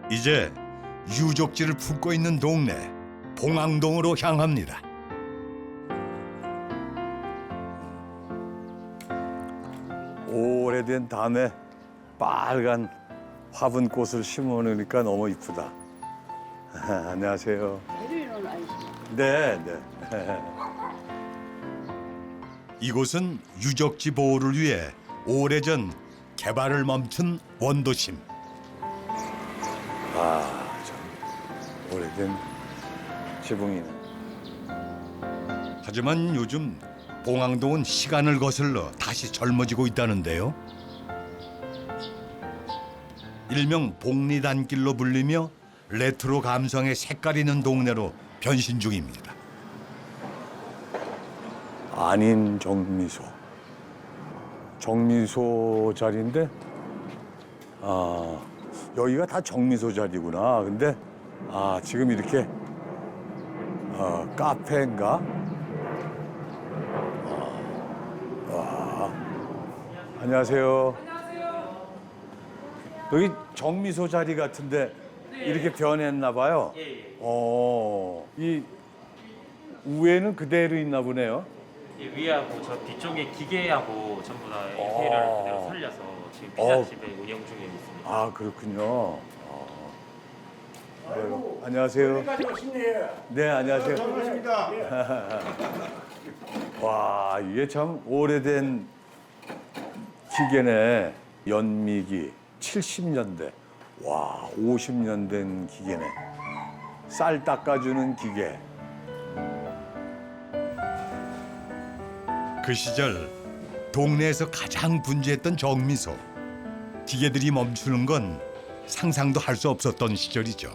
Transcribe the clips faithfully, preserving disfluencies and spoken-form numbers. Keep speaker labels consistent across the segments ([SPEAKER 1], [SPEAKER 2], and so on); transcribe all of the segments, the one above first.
[SPEAKER 1] 이제 유적지를 품고 있는 동네 봉황동으로 향합니다.
[SPEAKER 2] 오래된 담에 빨간 화분 꽃을 심어 놓으니까 너무 이쁘다. 안녕하세요. 네, 네.
[SPEAKER 1] 이곳은 유적지 보호를 위해 오래전 개발을 멈춘 원도심.
[SPEAKER 2] 아, 참 오래된 지붕이네.
[SPEAKER 1] 하지만 요즘 봉황동은 시간을 거슬러 다시 젊어지고 있다는데요. 일명 복리단길로 불리며 레트로 감성의 색깔 있는 동네로 변신 중입니다.
[SPEAKER 2] 아닌 정미소. 정미소 자리인데, 아, 여기가 다 정미소 자리구나. 근데, 아, 지금 이렇게, 어, 카페인가? 아, 와. 안녕하세요. 안녕하세요. 여기 정미소 자리 같은데, 이렇게 변했나 봐요.
[SPEAKER 3] 예, 예.
[SPEAKER 2] 어, 이 위에는 그대로 있나 보네요.
[SPEAKER 3] 예, 위하고 저 뒤쪽에 기계하고 전부 다
[SPEAKER 2] 어.
[SPEAKER 3] 인테리어를 그대로 살려서 지금 피자집에 운영 중에 있습니다.
[SPEAKER 2] 아, 그렇군요. 아. 네, 안녕하세요. 네, 안녕하세요.
[SPEAKER 4] 반갑습니다.
[SPEAKER 2] 와, 이게 참 오래된 기계네. 연미기 칠십 년대. 와, 오십 년 된 기계네. 쌀 닦아주는 기계.
[SPEAKER 1] 그 시절 동네에서 가장 분주했던 정미소. 기계들이 멈추는 건 상상도 할 수 없었던 시절이죠.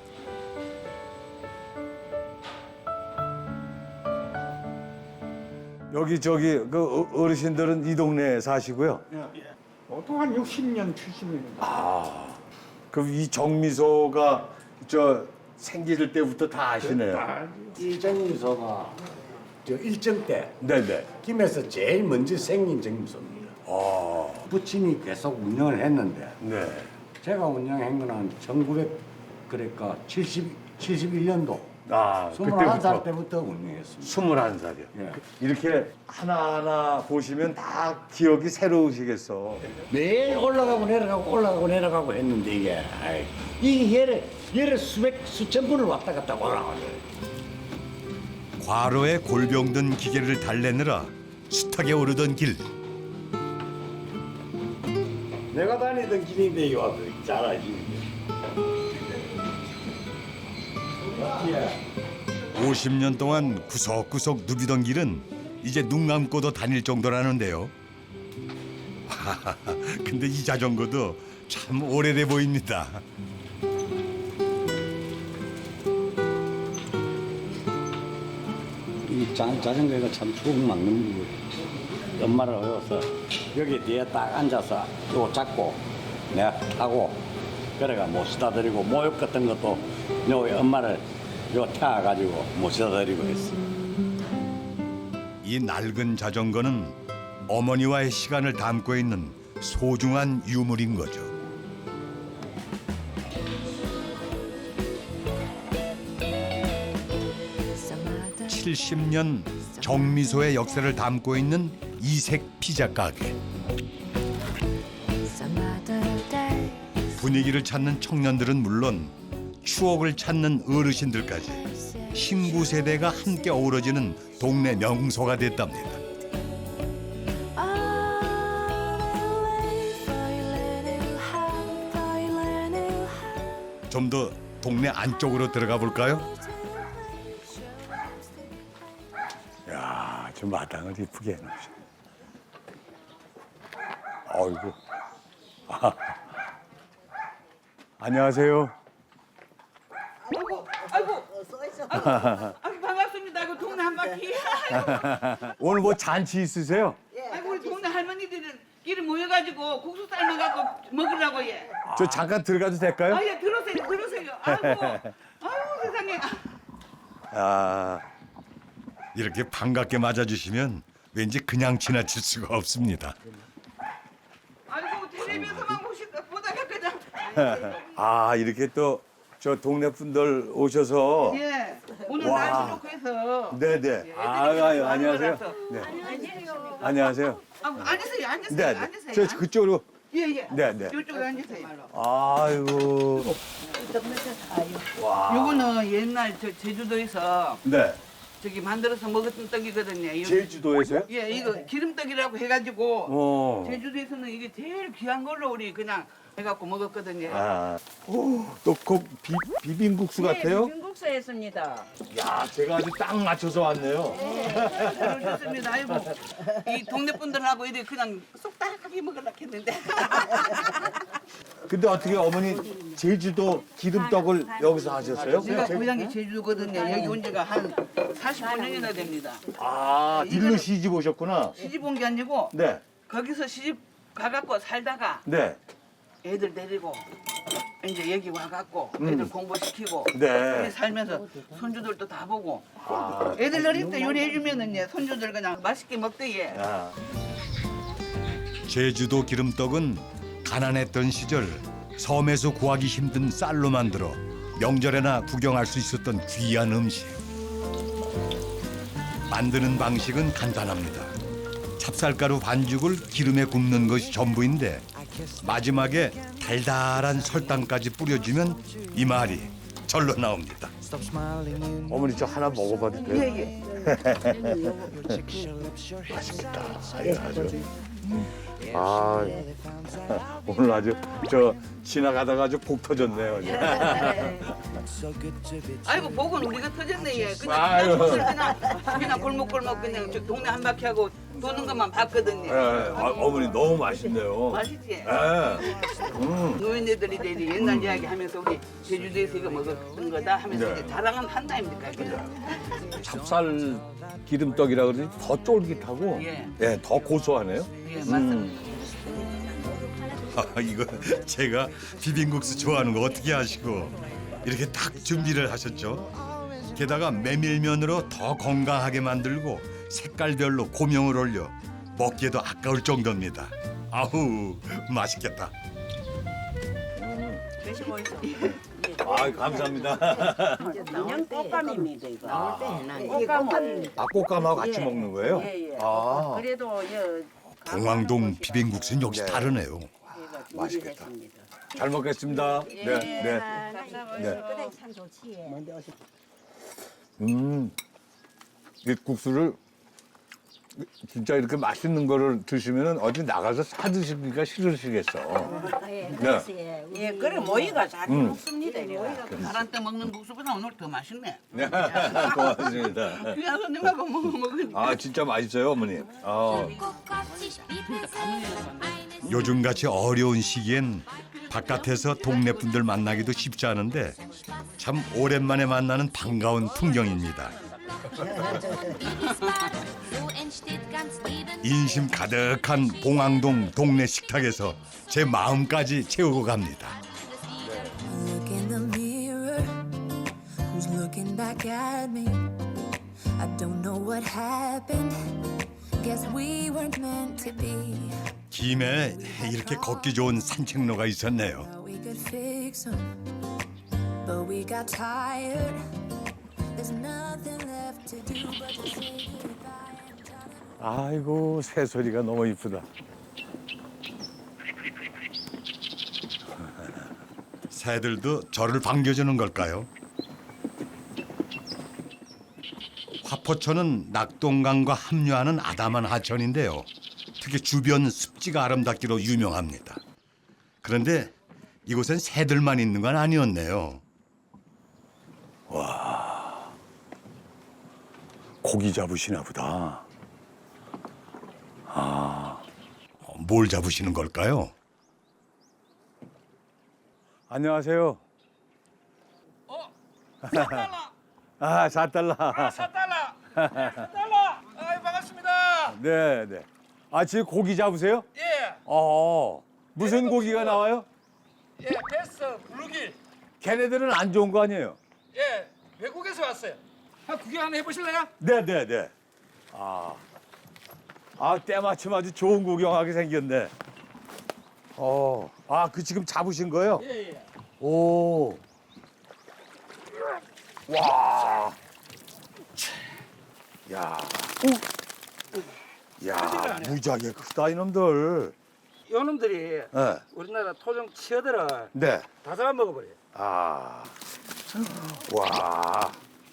[SPEAKER 2] 여기 저기 그 어- 어르신들은 이 동네에 사시고요.
[SPEAKER 4] 보통 한 육십 년, 칠십 년.
[SPEAKER 2] 아, 그럼 이 정미소가 저 생길 때부터 다 아시네요.
[SPEAKER 4] 이 정미소가 저 일정 때
[SPEAKER 2] 네네.
[SPEAKER 4] 김에서 제일 먼저 생긴 정미소입니다.
[SPEAKER 2] 아,
[SPEAKER 4] 부친이 계속 운영을 했는데
[SPEAKER 2] 네.
[SPEAKER 4] 제가 운영한 거는 천구백 그러니까 칠십, 칠십일 년도
[SPEAKER 2] 아,
[SPEAKER 4] 스물한 살
[SPEAKER 2] 그때부터
[SPEAKER 4] 때부터 운영했습니다.
[SPEAKER 2] 스물한 살이요.
[SPEAKER 4] 예.
[SPEAKER 2] 이렇게 하나하나 보시면 다 기억이 새로우시겠어.
[SPEAKER 4] 매일 올라가고 내려가고 올라가고 내려가고 했는데 이게 아이, 이게 예를 예를 수백 수천 분을 왔다 갔다 올라가요.
[SPEAKER 1] 과로에 골병든 기계를 달래느라 숱하게 오르던 길.
[SPEAKER 4] 내가 다니던 길인데 이 와서 잘 알지.
[SPEAKER 1] 오십 년 동안 구석구석 누비던 길은 이제 눈 감고도 다닐 정도라는데요. 하하하, 근데 이 자전거도 참 오래돼 보입니다.
[SPEAKER 4] 이 자, 자전거가 참 추억 막는 거. 엄마를 어여서 여기 뒤에 딱 앉아서 요거 잡고 내가 타고 그래가 모시다 드리고 모욕 같은 것도 요 엄마를 요 태워가지고 모시다 드리고 했어.
[SPEAKER 1] 이 낡은 자전거는 어머니와의 시간을 담고 있는 소중한 유물인 거죠. 칠십 년 정미소의 역사를 담고 있는 이색 피자 가게. 분위기를 찾는 청년들은 물론 추억을 찾는 어르신들까지 신구 세대가 함께 어우러지는 동네 명소가 됐답니다. 좀 더 동네 안쪽으로 들어가 볼까요?
[SPEAKER 2] 야, 저 마당을 이쁘게 해놓으셔. 어이구. 아. 안녕하세요.
[SPEAKER 5] 아이고, 아이고, 아이고, 아이고 반갑습니다. 그 동네 한 바퀴.
[SPEAKER 2] 오늘 뭐 잔치 있으세요?
[SPEAKER 5] 아이고 우리 동네 할머니들은 길에 모여가지고 국수 삶아 갖고 먹으라고 예.
[SPEAKER 2] 저 잠깐 들어가도 될까요?
[SPEAKER 5] 아예 들어오세요, 들어오세요. 아이고, 아이고 세상에.
[SPEAKER 2] 아,
[SPEAKER 1] 이렇게 반갑게 맞아주시면 왠지 그냥 지나칠 수가 없습니다.
[SPEAKER 5] 아이고 텔레비에서만 보시 보다가 그냥.
[SPEAKER 2] 아 이렇게 또 저 동네 분들 오셔서
[SPEAKER 5] 예. 오늘
[SPEAKER 2] 와.
[SPEAKER 5] 날씨 좋고 해서.
[SPEAKER 2] 네네. 아, 아유, 안녕하세요. 네. 안녕하세요.
[SPEAKER 5] 아, 앉으세요. 앉으세요.
[SPEAKER 2] 네,
[SPEAKER 5] 앉으세요.
[SPEAKER 2] 네. 저 그쪽으로.
[SPEAKER 5] 예, 예.
[SPEAKER 2] 네, 네.
[SPEAKER 5] 이쪽에 앉으세요.
[SPEAKER 2] 아이고. 와.
[SPEAKER 5] 요거는 옛날 저 제주도에서
[SPEAKER 2] 네.
[SPEAKER 5] 저기 만들어서 먹었던 떡이거든요. 이거-
[SPEAKER 2] 제주도에서요?
[SPEAKER 5] 예, 이거 기름떡이라고 해가지고
[SPEAKER 2] 어.
[SPEAKER 5] 제주도에서는 이게 제일 귀한 걸로 우리 그냥 해갖고 먹었거든요.
[SPEAKER 2] 아. 오, 또그 비빔국수 같아요?
[SPEAKER 6] 비빔국수 했습니다.
[SPEAKER 2] 야, 제가 아주 딱 맞춰서 왔네요.
[SPEAKER 5] 그렇습니다. 아이고 이 동네 분들하고 이렇게 그냥 쏙딱하게 먹으려고 했는데
[SPEAKER 2] 근데 어떻게 어머니 제주도 기름떡을 여기서 하셨어요?
[SPEAKER 5] 제가 고향이 제주도거든요. 여기 온 지가 한 사십오 년이나 됩니다.
[SPEAKER 2] 아, 딜로 시집 오셨구나.
[SPEAKER 5] 시집 온 게 아니고
[SPEAKER 2] 네.
[SPEAKER 5] 거기서 시집 가갖고 살다가
[SPEAKER 2] 네.
[SPEAKER 5] 애들 데리고 이제 여기 와갖고
[SPEAKER 2] 음.
[SPEAKER 5] 애들 공부시키고
[SPEAKER 2] 네.
[SPEAKER 5] 여기 살면서 손주들도 다 보고
[SPEAKER 2] 아,
[SPEAKER 5] 애들 어릴 때 요리해주면은 예, 손주들 그냥 맛있게 먹대 예.
[SPEAKER 2] 아.
[SPEAKER 1] 제주도 기름떡은 가난했던 시절 섬에서 구하기 힘든 쌀로 만들어 명절에나 구경할 수 있었던 귀한 음식. 만드는 방식은 간단합니다. 찹쌀가루 반죽을 기름에 굽는 것이 전부인데 마지막에 달달한 설탕까지 뿌려주면 이 말이 절로 나옵니다.
[SPEAKER 2] 어머니 저 하나 먹어봐도 돼요?
[SPEAKER 5] 예, 예.
[SPEAKER 2] 맛있겠다. 아유, 아주. 아, 오늘 아주 저 지나가다가 아주 복 터졌네요.
[SPEAKER 5] 아이고 복은 우리가 터졌네 예. 그냥
[SPEAKER 2] 아유.
[SPEAKER 5] 그냥 그냥 그냥 골목골목 그냥 저 동네 한 바퀴 하고 도는 것만 봤거든요.
[SPEAKER 2] 예, 아, 어머니 너무 맛있네요.
[SPEAKER 5] 맛있지?
[SPEAKER 2] 예. 음.
[SPEAKER 5] 노인네들이 이제 옛날 이야기 하면서 우리 제주도에서 이거 먹었던 거다 하면서
[SPEAKER 2] 네.
[SPEAKER 5] 이제 자랑은 한다 아닙니까? 그죠?
[SPEAKER 2] 찹쌀 기름떡이라 그러니 더 쫄깃하고
[SPEAKER 5] 예.
[SPEAKER 2] 예, 더 고소하네요.
[SPEAKER 5] 예, 맞습니다.
[SPEAKER 1] 아, 이거 제가 비빔국수 좋아하는 거 어떻게 아시고 이렇게 딱 준비를 하셨죠? 게다가 메밀면으로 더 건강하게 만들고 색깔별로 고명을 올려 먹기에도 아까울 정도입니다. 아우 맛있겠다.
[SPEAKER 6] 드시고 있어.
[SPEAKER 2] 아, 감사합니다.
[SPEAKER 6] 인형 꽃감입니다 이거. 나올 때 해놔.
[SPEAKER 5] 이게
[SPEAKER 6] 꽃감을.
[SPEAKER 2] 아, 꽃감하고 같이
[SPEAKER 6] 예.
[SPEAKER 2] 먹는 거예요?
[SPEAKER 6] 예, 예.
[SPEAKER 2] 아,
[SPEAKER 6] 그래도 여
[SPEAKER 1] 봉황동 비빔국수는 역시
[SPEAKER 2] 네.
[SPEAKER 1] 다르네요.
[SPEAKER 2] 맛있겠다. 잘 먹겠습니다.
[SPEAKER 6] 예.
[SPEAKER 2] 네, 네. 네. 음, 이 국수를 진짜 이렇게 맛있는 거를 드시면은 어디 나가서 사 드시기가 싫으시겠어.
[SPEAKER 7] 예,
[SPEAKER 2] 네.
[SPEAKER 6] 예, 그래 모이가 잘
[SPEAKER 2] 음.
[SPEAKER 6] 먹습니다. 이거.
[SPEAKER 5] 파란 때 먹는 국수보다 오늘 더 맛있네.
[SPEAKER 2] 네, 고맙습니다.
[SPEAKER 5] 귀한 손님하고 먹어 먹으니까.
[SPEAKER 2] 아, 진짜 맛있어요, 어머니. 아,
[SPEAKER 1] 요즘같이 어려운 시기엔 바깥에서 동네 분들 만나기도 쉽지 않은데 참 오랜만에 만나는 반가운 풍경입니다. 인심 가득한 봉황동 동네 식탁에서 제 마음까지 채우고 갑니다.
[SPEAKER 8] Look in the mirror, who's looking back at me? I don't know what happened. Guess we weren't meant to be.
[SPEAKER 1] 김에 이렇게 걷기 좋은 산책로가 있었네요.
[SPEAKER 8] Thought we could fix 'em, but we got tired. There's nothing left to do but to say goodbye and tell them.
[SPEAKER 2] 아이고, 새소리가 너무 이쁘다.
[SPEAKER 1] 새들도 저를 반겨주는 걸까요? 화포천은 낙동강과 합류하는 아담한 하천인데요. 특히 주변 습지가 아름답기로 유명합니다. 그런데 이곳엔 새들만 있는 건 아니었네요.
[SPEAKER 2] 고기 잡으시나 보다.
[SPEAKER 1] 어, 뭘 잡으시는 걸까요?
[SPEAKER 2] 안녕하세요.
[SPEAKER 5] 어? 사달라.
[SPEAKER 2] 아, 사 달러.
[SPEAKER 5] 사달라. 사달라. 아이 반갑습니다.
[SPEAKER 2] 네, 네. 아, 지금 고기 잡으세요?
[SPEAKER 5] 예.
[SPEAKER 2] 어. 무슨 고기가 나와요?
[SPEAKER 5] 예, 베스 블루길.
[SPEAKER 2] 걔네들은 안 좋은 거 아니에요?
[SPEAKER 5] 예, 외국에서 왔어요. 한 구경 한번 해보실래요?
[SPEAKER 2] 네, 네, 네. 아. 아, 때마침 아주 좋은 구경하게 생겼네. 어. 아, 그 지금 잡으신 거예요?
[SPEAKER 5] 예, 예.
[SPEAKER 2] 오. 와. 야. 야, 무지하게 크다 이놈들.
[SPEAKER 7] 요놈들이
[SPEAKER 2] 네.
[SPEAKER 7] 우리나라 토종 치어들을
[SPEAKER 2] 네.
[SPEAKER 7] 다 잡아먹어버려요.
[SPEAKER 2] 아. 와.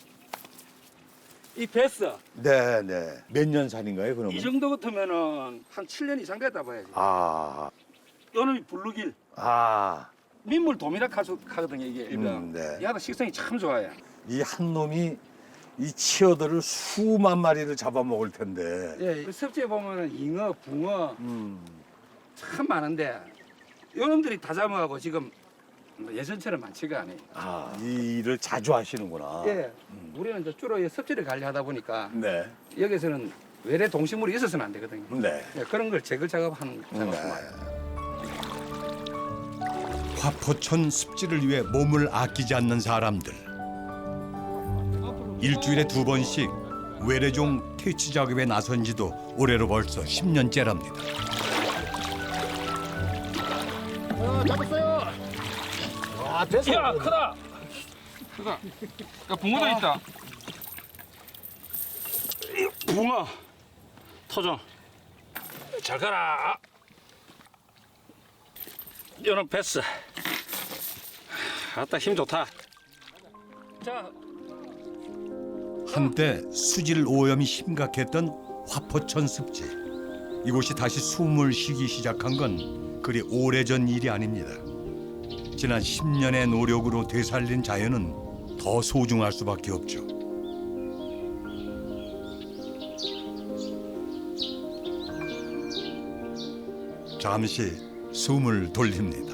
[SPEAKER 7] 이 베스
[SPEAKER 2] 네, 네. 몇 년 살인가요, 그러면?
[SPEAKER 7] 이 정도 같으면은 한 칠 년 이상 됐다 봐야지.
[SPEAKER 2] 아.
[SPEAKER 7] 요놈이 블루길
[SPEAKER 2] 아.
[SPEAKER 7] 민물 도미락 하거든요 이게 일명.
[SPEAKER 2] 음, 네.
[SPEAKER 7] 얘가 식성이 참 좋아요.
[SPEAKER 2] 이 한 놈이 이 치어들을 수만 마리를 잡아먹을 텐데.
[SPEAKER 7] 예, 그 섭지에 보면은 잉어, 붕어
[SPEAKER 2] 음.
[SPEAKER 7] 참 많은데 요놈들이 다 잡아가고 지금 뭐 예전처럼 많지가 않아요.
[SPEAKER 2] 아, 이 일을 자주 하시는구나.
[SPEAKER 7] 예, 우리는 이제 주로 이 섭지를 관리하다 보니까
[SPEAKER 2] 네.
[SPEAKER 7] 여기서는 외래 동식물이 있어서는 안 되거든요.
[SPEAKER 2] 네.
[SPEAKER 7] 예, 그런 걸 제거 작업하는 작업이
[SPEAKER 2] 네.
[SPEAKER 7] 많아요.
[SPEAKER 1] 화포천 습지를 위해 몸을 아끼지 않는 사람들. 일주일에 두 번씩 외래종 퇴치 작업에 나선 지도 올해로 벌써 십 년째랍니다.
[SPEAKER 7] 야, 크다. 크다. 야, 붕어도 있다. 이 붕어. 토종. 잘 가라. 이런 베스. 아따 힘 좋다. 자,
[SPEAKER 1] 한때 수질 오염이 심각했던 화포천 습지. 이곳이 다시 숨을 쉬기 시작한 건 그리 오래전 일이 아닙니다. 지난 십 년의 노력으로 되살린 자연은 더 소중할 수밖에 없죠. 잠시 숨을 돌립니다.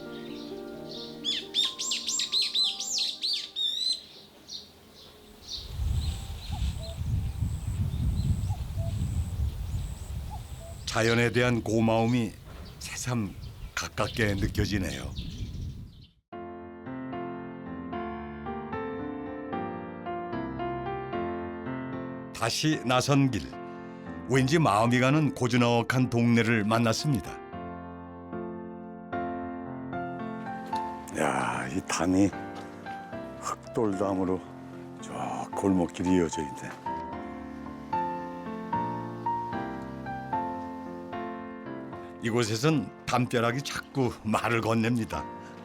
[SPEAKER 1] 자연에 대한 고마움이 새삼 가깝게 느껴지네요. 다시 나선 길, 왠지 마음이 가는 고즈넉한 동네를 만났습니다.
[SPEAKER 2] 야, 이 담이 흑돌담으로 저 골목길이 이어져 있네.
[SPEAKER 1] 이곳에선 담벼락이 자꾸 말을 건넵니다.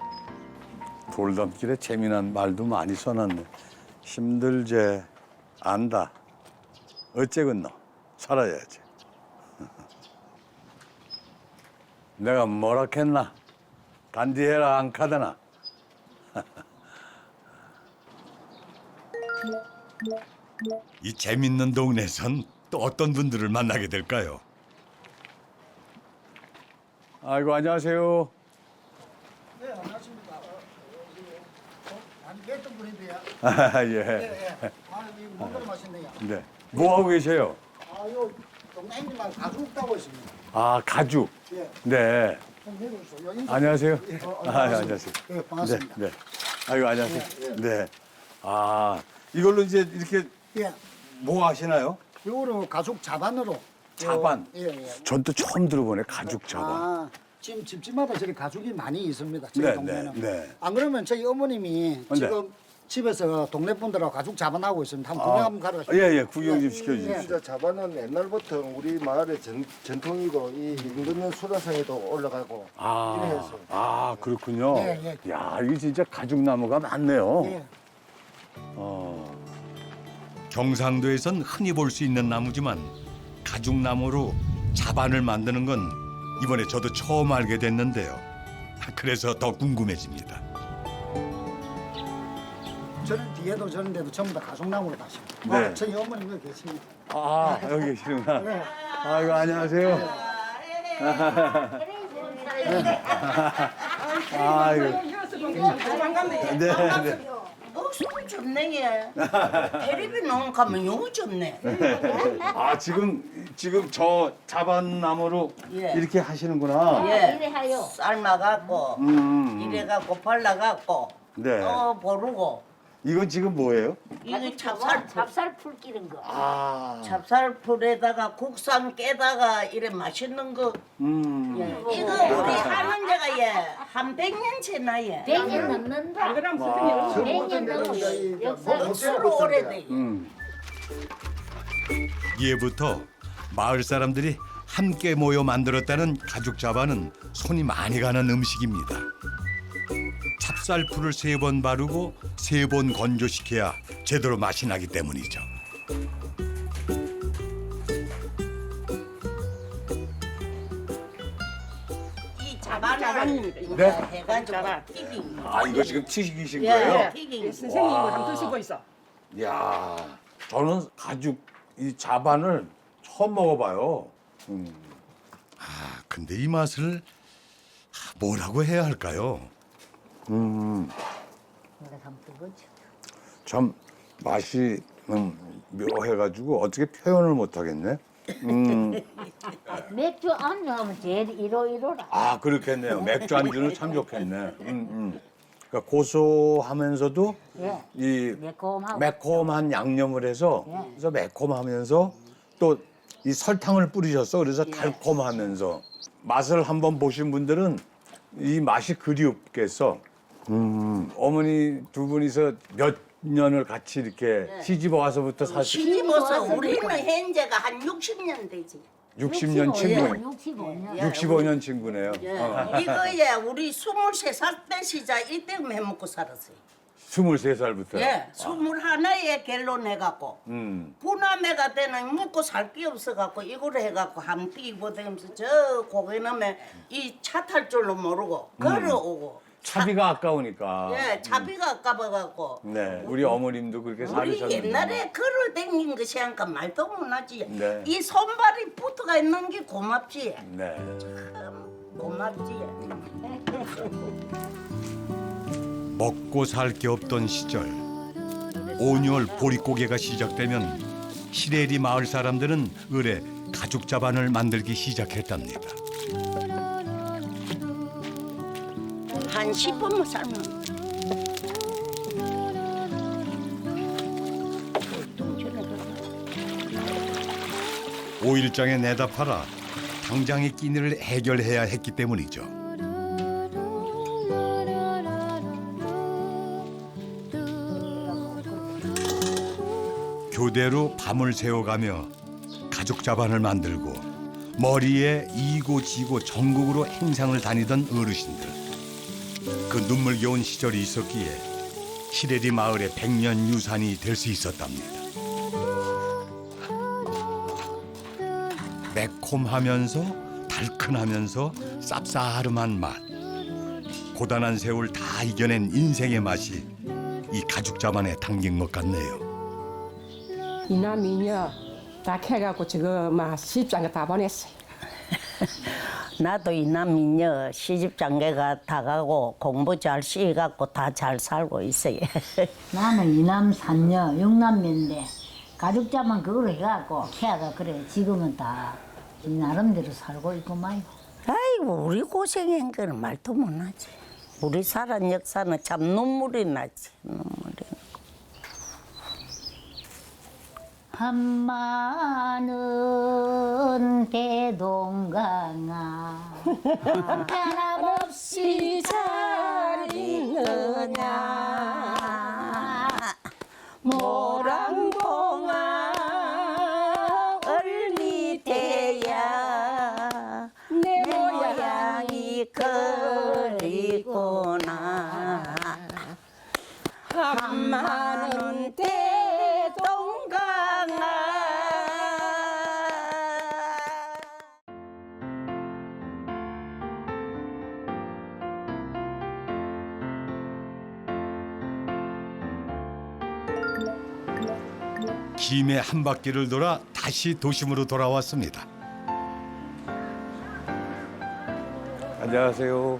[SPEAKER 2] 돌담길에 재미난 말도 많이 써놨네. 힘들제 안다. 어째겠노? 살아야지. 내가 뭐라 했나? 단디해라 안 카드나.
[SPEAKER 1] 이 재밌는 동네에선 또 어떤 분들을 만나게 될까요?
[SPEAKER 2] 아이고 안녕하세요.
[SPEAKER 9] 네, 반갑습니다. 안 뵀던 분인데요.
[SPEAKER 2] 아, 예.
[SPEAKER 9] 예, 예. 아, 이거 먹으러 맛있네요.
[SPEAKER 2] 네. 뭐 하고 계세요?
[SPEAKER 9] 아, 요 동네 형님하고 가죽 따고 있습니다.
[SPEAKER 2] 아 가죽.
[SPEAKER 9] 예.
[SPEAKER 2] 네.
[SPEAKER 9] 좀 해주세요. 요 인사-
[SPEAKER 2] 안녕하세요.
[SPEAKER 9] 예, 어,
[SPEAKER 2] 아,
[SPEAKER 9] 반갑습니다.
[SPEAKER 2] 안녕하세요.
[SPEAKER 9] 예, 반갑습니다.
[SPEAKER 2] 네. 네. 아이고 안녕하세요.
[SPEAKER 9] 예, 예.
[SPEAKER 2] 네. 아 이걸로 이제 이렇게
[SPEAKER 9] 예.
[SPEAKER 2] 뭐 하시나요?
[SPEAKER 9] 요거로 가죽 자반으로.
[SPEAKER 2] 자반.
[SPEAKER 9] 예, 예.
[SPEAKER 2] 전 또 처음 들어보네 가죽 자반.
[SPEAKER 9] 아, 지금 집집마다 저리 가죽이 많이 있습니다. 저희
[SPEAKER 2] 네,
[SPEAKER 9] 동네는.
[SPEAKER 2] 네, 네.
[SPEAKER 9] 안 그러면 저희 어머님이
[SPEAKER 2] 네.
[SPEAKER 9] 지금 집에서 동네 분들하고 가죽 자반하고 있습니다. 한번 구경 한번 가러 가시죠.
[SPEAKER 2] 예예 구경 좀 시켜주십시오.
[SPEAKER 9] 예.
[SPEAKER 10] 이제 자반은 옛날부터 우리 마을의 전, 전통이고 이 임금님 수라상에도 올라가고
[SPEAKER 2] 아,
[SPEAKER 10] 이래 해서.
[SPEAKER 2] 아 그렇군요.
[SPEAKER 9] 예,
[SPEAKER 2] 야 이게 진짜 가죽 나무가 많네요.
[SPEAKER 9] 예.
[SPEAKER 2] 어.
[SPEAKER 1] 경상도에선 흔히 볼 수 있는 나무지만 가죽나무로 자반을 만드는 건 이번에 저도 처음 알게 됐는데요. 그래서 더 궁금해집니다.
[SPEAKER 9] 저는 뒤에도 저런데도 전부 다 가죽나무로 다십니다.
[SPEAKER 2] 네.
[SPEAKER 9] 어, 저희 어머님 여기 계십니다.
[SPEAKER 2] 아 여기 계시구나.
[SPEAKER 9] 네.
[SPEAKER 2] 아이고 안녕하세요. 아이고. 네, 네.
[SPEAKER 6] 어, 소리 좋네. 테레비 나온 가면 너무 좋네.
[SPEAKER 2] 아 지금 지금 저 자반나무로
[SPEAKER 6] 예.
[SPEAKER 2] 이렇게 하시는구나.
[SPEAKER 6] 예. 삶아갖고
[SPEAKER 2] 음.
[SPEAKER 6] 이래갖고 발라갖고
[SPEAKER 2] 네.
[SPEAKER 6] 또 보르고
[SPEAKER 2] 이건 지금 뭐예요?
[SPEAKER 6] 이거 찹쌀
[SPEAKER 11] 찹쌀풀 끼는 거.
[SPEAKER 2] 아,
[SPEAKER 6] 찹쌀풀에다가 국산 깨다가 이래 맛있는 거.
[SPEAKER 2] 음.
[SPEAKER 6] 이거 우리 하는 데가 예한 백 년째 나예.
[SPEAKER 11] 백 년 넘는다.
[SPEAKER 5] 그럼
[SPEAKER 2] 와.
[SPEAKER 11] 백 년 넘는 역사.
[SPEAKER 6] 억수로 오래돼.
[SPEAKER 2] 음.
[SPEAKER 1] 예부터 마을 사람들이 함께 모여 만들었다는 가죽 자반은 손이 많이 가는 음식입니다. 찹쌀풀을 세 번 바르고 세 번 건조시켜야 제대로 맛이 나기 때문이죠.
[SPEAKER 6] 이 자반을
[SPEAKER 5] 자반입니다. 이거.
[SPEAKER 2] 네?
[SPEAKER 6] 해가지고
[SPEAKER 5] 자반.
[SPEAKER 6] 튀긴 거.
[SPEAKER 2] 아, 이거 지금 튀기신
[SPEAKER 6] 예,
[SPEAKER 2] 거예요?
[SPEAKER 6] 튀긴 거.
[SPEAKER 5] 선생님 이거 한번 드시고 있어.
[SPEAKER 2] 이야, 저는 가죽 이 자반을 처음 먹어봐요. 음.
[SPEAKER 1] 아, 근데 이 맛을 뭐라고 해야 할까요?
[SPEAKER 2] 음.
[SPEAKER 11] 내가 한번 뜨거지.
[SPEAKER 2] 참 맛이 음, 묘해가지고 어떻게 표현을 못하겠네. 음.
[SPEAKER 11] 맥주 안주하면 제일 이로이로라.
[SPEAKER 2] 아, 그렇겠네요. 맥주 안주는 참 좋겠네. 음, 음. 그러니까 고소하면서도
[SPEAKER 11] 예.
[SPEAKER 2] 이
[SPEAKER 11] 매콤하고.
[SPEAKER 2] 매콤한 양념을 해서
[SPEAKER 11] 예.
[SPEAKER 2] 그래서 매콤하면서 또 이 설탕을 뿌리셨어. 그래서
[SPEAKER 11] 예.
[SPEAKER 2] 달콤하면서 맛을 한번 보신 분들은 이 맛이 그리 없겠어. 음, 어머니 두 분이서 몇 년을 같이 이렇게 시집 와서부터 사실
[SPEAKER 6] 시집와서 우리는 현재가 한 육십 년 되지.
[SPEAKER 2] 육십 년 친구,
[SPEAKER 11] 육십오 년.
[SPEAKER 2] 육십오 년 친구네요.
[SPEAKER 6] 예.
[SPEAKER 2] 어.
[SPEAKER 6] 이거에 우리 스물세 살 때 시작 이때 해먹고 살았어요.
[SPEAKER 2] 스물세 살부터.
[SPEAKER 6] 예, 스물하나에 결론해갖고
[SPEAKER 2] 음.
[SPEAKER 6] 부남회가 때는 먹고 살 게 없어갖고 이거를 해갖고 함 뛰고 다니면서 저 고개남에 이 차 탈 줄로 모르고 걸어오고
[SPEAKER 2] 차비가 아까우니까.
[SPEAKER 6] 예, 차비가 아까워갖고
[SPEAKER 2] 네, 우리 어머님도 그렇게
[SPEAKER 6] 우리
[SPEAKER 2] 살으셨는데.
[SPEAKER 6] 옛날에 걸어 다닌 것이 하니까 말도 못하지.
[SPEAKER 2] 네.
[SPEAKER 6] 이 손발이 붙어가 있는 게 고맙지.
[SPEAKER 2] 네.
[SPEAKER 6] 고맙지.
[SPEAKER 1] 먹고 살 게 없던 시절 온열 보릿고개가 시작되면 시래리 마을 사람들은 을에 가죽 자반을 만들기 시작했답니다.
[SPEAKER 6] 한 십 분만 삶으면
[SPEAKER 1] 오일장에 내다 팔아 당장의 끼니를 해결해야 했기 때문이죠. 교대로 밤을 새워가며 가죽 자반을 만들고 머리에 이고 지고 전국으로 행상을 다니던 어르신들. 그 눈물겨운 시절이 있었기에 시래리 마을의 백년 유산이 될 수 있었답니다. 매콤하면서 달큰하면서 쌉싸름한 맛. 고단한 세월 다 이겨낸 인생의 맛이 이 가죽 자반에 담긴 것 같네요.
[SPEAKER 5] 이남이녀 다 캐갖고 저거 막 시집장에 다 보냈어요.
[SPEAKER 6] 나도 이남이녀 시집장가가 다 가고 공부 잘 시갖고 다 잘 살고 있어요.
[SPEAKER 11] 나는 이남 삼녀 육남매인데 가죽자만 그걸 해갖고 캐가 그래 지금은 다 나름대로 살고 있고 말고.
[SPEAKER 6] 아이고 우리 고생한 거는 말도 못하지. 우리 살은 역사는 참 눈물이 나지. 눈물이.
[SPEAKER 11] 한마는 대동강아 변함없이 잘 있느냐
[SPEAKER 6] 모랑봉아 얼밑에야 내 모양이 그리구나 한마는 대동강아.
[SPEAKER 1] 김해 한 바퀴를 돌아 다시 도심으로 돌아왔습니다.
[SPEAKER 2] 안녕하세요.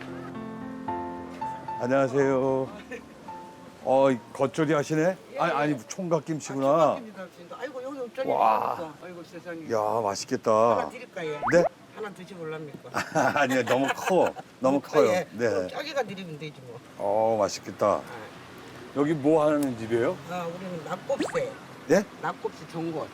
[SPEAKER 2] 안녕하세요. 어, 겉절이 하시네? 아니, 아니 총각 김치구나.
[SPEAKER 5] 아이고 여기 저기
[SPEAKER 2] 와.
[SPEAKER 5] 아이고 세상에.
[SPEAKER 2] 야, 맛있겠다.
[SPEAKER 5] 드릴까요?
[SPEAKER 2] 네?
[SPEAKER 5] 하나 드셔볼랍니까?
[SPEAKER 2] 아니요, 너무 커. 너무 커요. 네.
[SPEAKER 5] 짜게가 드리면 되지 뭐.
[SPEAKER 2] 어, 맛있겠다. 여기 뭐 하는 집이에요?
[SPEAKER 5] 아, 우리는 낙곱새,
[SPEAKER 2] 예?
[SPEAKER 5] 낙곱새 전골.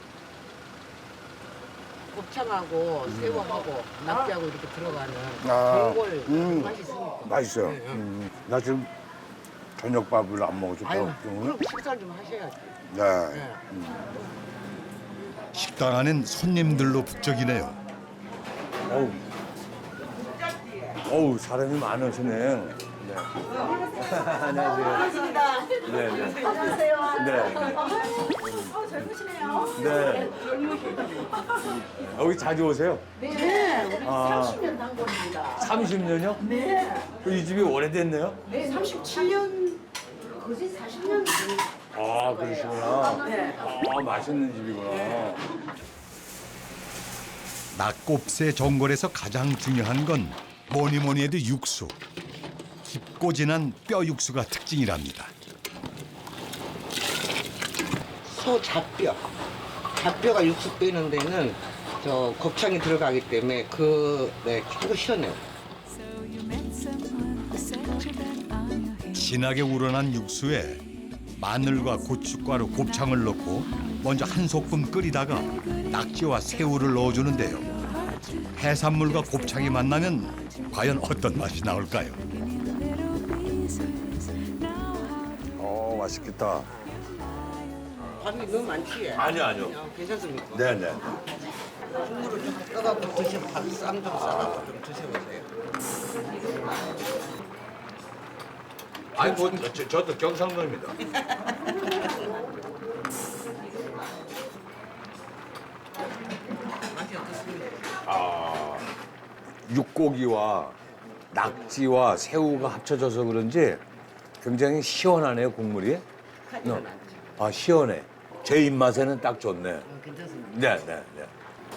[SPEAKER 5] 곱창하고 새우하고 낙지하고 이렇게 들어가는
[SPEAKER 2] 아,
[SPEAKER 5] 전골
[SPEAKER 2] 음.
[SPEAKER 5] 맛있으니까.
[SPEAKER 2] 맛있어요. 음. 나 지금 저녁밥을 안 먹어서
[SPEAKER 5] 아유,
[SPEAKER 2] 배고프네.
[SPEAKER 5] 그럼 식사 좀 하셔야지.
[SPEAKER 2] 네.
[SPEAKER 5] 네.
[SPEAKER 1] 식당 안엔 손님들로 북적이네요.
[SPEAKER 2] 어우. 어우, 사람이 많으시네. 네. 안녕하세요. 반갑습니다. 네, 네. 안녕하세요. 네. 어, 젊으시네요. 네. 여기 자주 오세요?
[SPEAKER 5] 네, 우리
[SPEAKER 2] 아.
[SPEAKER 5] 삼십 년 단골입니다.
[SPEAKER 2] 삼십 년이요?
[SPEAKER 5] 네,
[SPEAKER 2] 이 집이 오래됐네요?
[SPEAKER 5] 네, 삼십칠 년, 거의 사십 년.
[SPEAKER 2] 아, 그러시구나.
[SPEAKER 5] 네.
[SPEAKER 2] 아, 맛있는 집이구나.
[SPEAKER 1] 낙곱새 전골에서 가장 중요한 건 뭐니 뭐니 해도 육수. 깊고 진한 뼈 육수가 특징이랍니다.
[SPEAKER 5] 소 잡뼈. 잡뼈가 육수 빼는 데는 저 곱창이 들어가기 때문에 그, 네, 최고 시원해요.
[SPEAKER 1] 진하게 우러난 육수에 마늘과 고춧가루, 곱창을 넣고 먼저 한 소끔 끓이다가 낙지와 새우를 넣어주는데요. 해산물과 곱창이 만나면 과연 어떤 맛이 나올까요?
[SPEAKER 2] 어, 맛있겠다.
[SPEAKER 5] 밥이 너무 많지?
[SPEAKER 2] 아니요, 아니요.
[SPEAKER 5] 어, 괜찮습니까?
[SPEAKER 2] 네네.
[SPEAKER 5] 국물을 좀 떠갖고 드시면 밥쌈좀 싸갖고 좀 드셔보세요.
[SPEAKER 2] 아니, 뭐, 저, 저도 경상도입니다.
[SPEAKER 5] 맛이 어떻습니까?
[SPEAKER 2] 아, 육고기와 낙지와 새우가 합쳐져서 그런지 굉장히 시원하네요, 국물이.
[SPEAKER 5] 하지는
[SPEAKER 2] 어.
[SPEAKER 5] 않죠.
[SPEAKER 2] 아, 시원해. 제 입맛에는 딱 좋네.
[SPEAKER 5] 어, 괜찮습니다.
[SPEAKER 2] 네, 네, 네.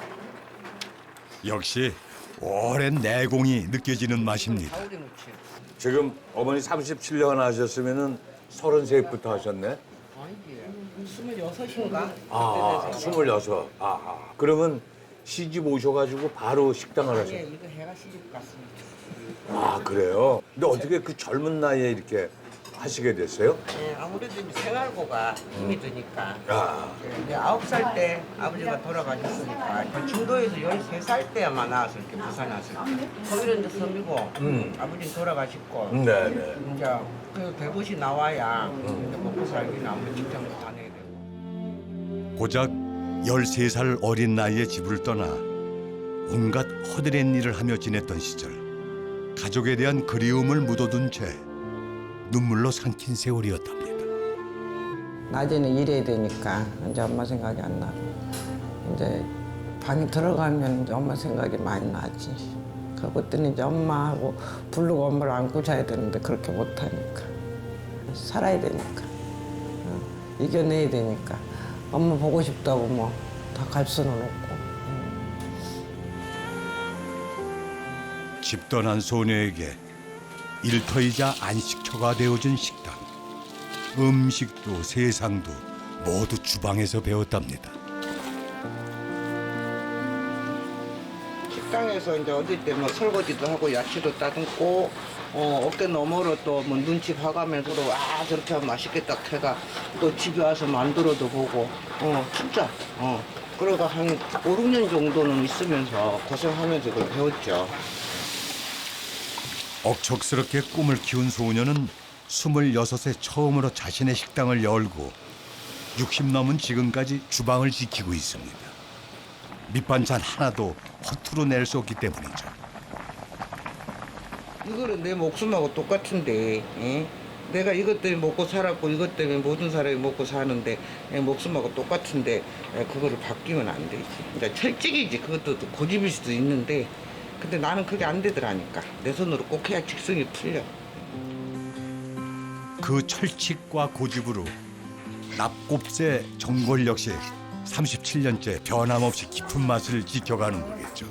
[SPEAKER 1] 역시 오랜 내공이 느껴지는 맛입니다.
[SPEAKER 5] 가오리 무침.
[SPEAKER 2] 지금 어머니 삼십칠 년 하셨으면은 서른셋부터 하셨네?
[SPEAKER 5] 아니지. 스물여섯인가?
[SPEAKER 2] 아, 스물여섯. 아, 그러면 시집 오셔가지고 바로 식당을
[SPEAKER 5] 예,
[SPEAKER 2] 하셨어요?
[SPEAKER 5] 이거 해가 시집 갔습니다.
[SPEAKER 2] 아, 그래요? 근데 어떻게 그 젊은 나이에 이렇게 하시게 됐어요?
[SPEAKER 5] 예, 아무래도 이제 생활고가 힘이 드니까.
[SPEAKER 2] 아,
[SPEAKER 5] 예, 아홉 살 때 아버지가 돌아가셨으니까 중도에서 열세 살 때만 나왔을 때 부산에 왔을 때. 거기는 이제 섬이고
[SPEAKER 2] 음.
[SPEAKER 5] 아버지는 돌아가셨고
[SPEAKER 2] 네네.
[SPEAKER 5] 이제 그 대구시 나와야 이제 먹고 살기는 아무래도 직장도 다녀야 되고.
[SPEAKER 1] 고작 열세 살 어린 나이에 집을 떠나 온갖 허드렛 일을 하며 지냈던 시절. 가족에 대한 그리움을 묻어둔 채 눈물로 삼킨 세월이었답니다.
[SPEAKER 5] 낮에는 일해야 되니까 이제 엄마 생각이 안 나고 이제 방에 들어가면 이제 엄마 생각이 많이 나지. 그것들은 이제 엄마하고 부르고 엄마를 안고 자야 되는데 그렇게 못하니까 살아야 되니까 어, 이겨내야 되니까 엄마 보고 싶다고 뭐 다 갈 수는 없고.
[SPEAKER 1] 집 떠난 소녀에게 일터이자 안식처가 되어준 식당. 음식도 세상도 모두 주방에서 배웠답니다.
[SPEAKER 5] 식당에서 이제 어릴 때 뭐 설거지도 하고 야채도 따듬고 어, 어깨 너머로 또 뭐 눈치 봐가면서 또 아 저렇게 하면 맛있겠다 해가 또 집에 와서 만들어도 보고 어 진짜 어 그러고 한 오, 육 년 정도는 있으면서 고생하면서 그걸 배웠죠.
[SPEAKER 1] 억척스럽게 꿈을 키운 소녀는 스물여섯에 처음으로 자신의 식당을 열고 육십 넘은 지금까지 주방을 지키고 있습니다. 밑반찬 하나도 허투루 낼 수 없기 때문이죠.
[SPEAKER 5] 이거는 내 목숨하고 똑같은데 예? 내가 이것 때문에 먹고 살았고 이것 때문에 모든 사람이 먹고 사는데 예, 목숨하고 똑같은데 예, 그거를 바뀌면 안 되지. 그러니까 철칙이지. 그것도 고집일 수도 있는데 근데 나는 그게 안 되더라니까. 내 손으로 꼭 해야 직성이 풀려.
[SPEAKER 1] 그 철칙과 고집으로 낙곱새 전골 역시 삼십칠 년째 변함없이 깊은 맛을 지켜가는 거겠죠.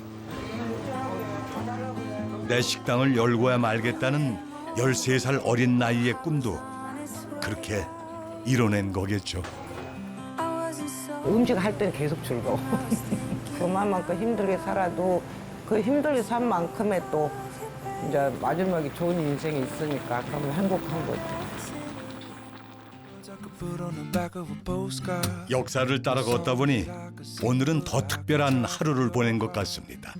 [SPEAKER 1] 내 식당을 열고야 말겠다는 열세 살 어린 나이의 꿈도 그렇게 이뤄낸 거겠죠.
[SPEAKER 5] 음식 할 때는 계속 즐거워. 그만큼 힘들게 살아도 그 힘들게 산 만큼의 또 이제 마지막에 좋은 인생이 있으니까 그러면 행복한 거죠.
[SPEAKER 1] 역사를 따라 걷다 보니 오늘은 더 특별한 하루를 보낸 것 같습니다.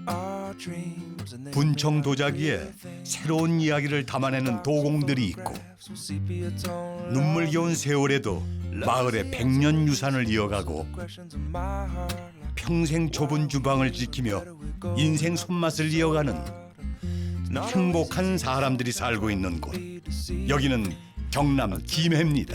[SPEAKER 1] 분청 도자기에 새로운 이야기를 담아내는 도공들이 있고 눈물겨운 세월에도 마을의 백년 유산을 이어가고 평생 좁은 주방을 지키며 인생 손맛을 이어가는 행복한 사람들이 살고 있는 곳. 여기는 경남 김해입니다.